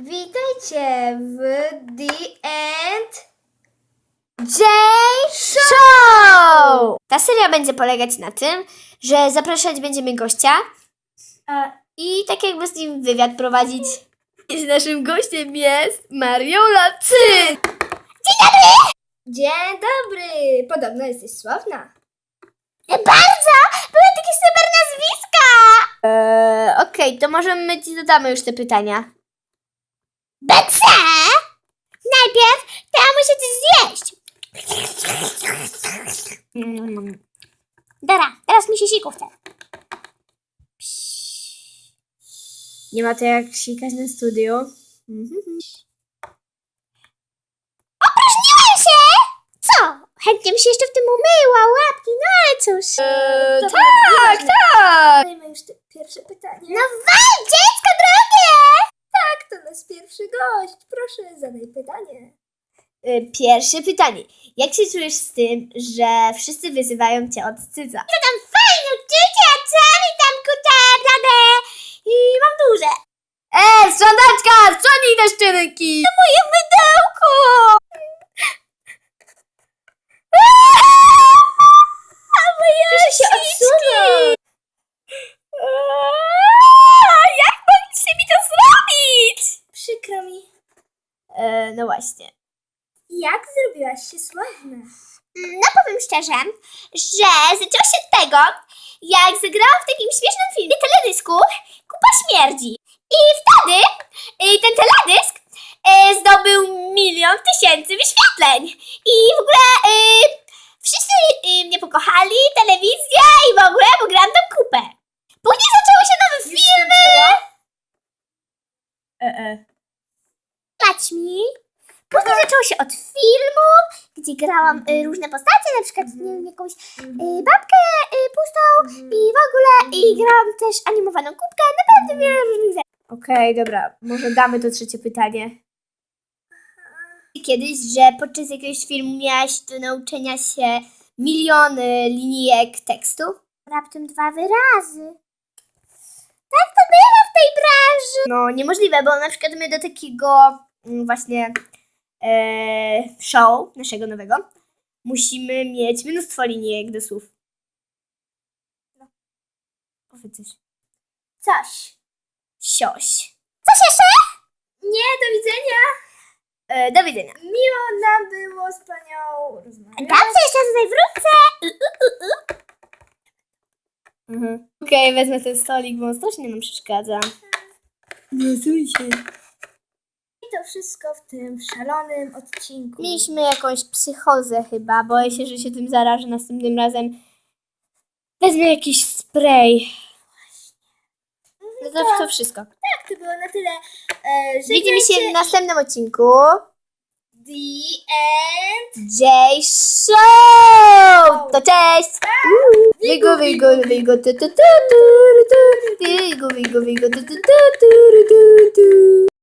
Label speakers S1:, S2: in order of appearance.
S1: Witajcie w The End J Show! Ta seria będzie polegać na tym, że zapraszać będziemy gościa i tak jakby z nim wywiad prowadzić. I naszym gościem jest Mariola Cyn! Dzień dobry! Dzień dobry! Podobno jesteś sławna. Bardzo! Były takie super nazwiska! Okej, to może my ci dodamy już te pytania. BC! Najpierw to ja muszę coś zjeść. Dobra, teraz mi się siku chce. Nie ma to jak sikać na studiu. Opróżniłem się! Co? Chętnie bym się jeszcze w tym umyła, łapki, no ale cóż. Tak! Dajmy już te pierwsze pytanie. No wal, dziecko drogie! Tak, to nasz pierwszy gość. Proszę, zadaj pytanie. Pierwsze pytanie. Jak się czujesz z tym, że wszyscy wyzywają cię od cyca? To tam fajne uczucie, co? Witam kute, blade i mam duże. Sprzątaczka, sprzątnij te szczynki! To moje mydełko! Proszę się odsunąć! Jak mogliście mi to zrobić? Przykro mi. No właśnie. Jak zrobiłaś się sławna? No powiem szczerze, że zaczęło się od tego, jak zagrałam w takim śmiesznym filmie teledysku Kupa Śmierdzi. I wtedy ten teledysk zdobył 1 000 000 wyświetleń. I w ogóle wszyscy mnie pokochali, telewizja i w ogóle, bo grałam tą kupę. Później zaczęły się nowe filmy. Dać mi. Później zaczęło się od filmów, gdzie grałam różne postacie, na przykład nie wiem, jakąś babkę pustą i w ogóle i grałam też animowaną kubkę, naprawdę wiele różnych rzeczy. Okej, dobra, może damy to trzecie pytanie. Kiedyś, że podczas jakiegoś filmu miałaś do nauczenia się miliony linijek tekstu? Raptem 2 wyrazy. Tak to bywa w tej branży. No niemożliwe, bo na przykład my do takiego właśnie show naszego nowego musimy mieć mnóstwo linijek do słów. No. Powiedz coś. Coś. Sioś. Coś jeszcze? Nie, do widzenia. Do widzenia. Miło nam było z panią rozmawiać. Dobrze, jeszcze tutaj wrócę. Okej, wezmę ten stolik, bo on strasznie nam przeszkadza. Nazuj się. I to wszystko w tym szalonym odcinku. Mieliśmy jakąś psychozę chyba. Boję się, że się tym zarażę następnym razem. Wezmę jakiś spray. No to wszystko. Tak, to było na tyle. Widzimy się w następnym odcinku. The End J Show! To cześć! Wigo, wigo, wigo, tu, tu, tu, tu, tu. Wigo, wigo, wigo, tu, tu, tu, tu, tu, tu.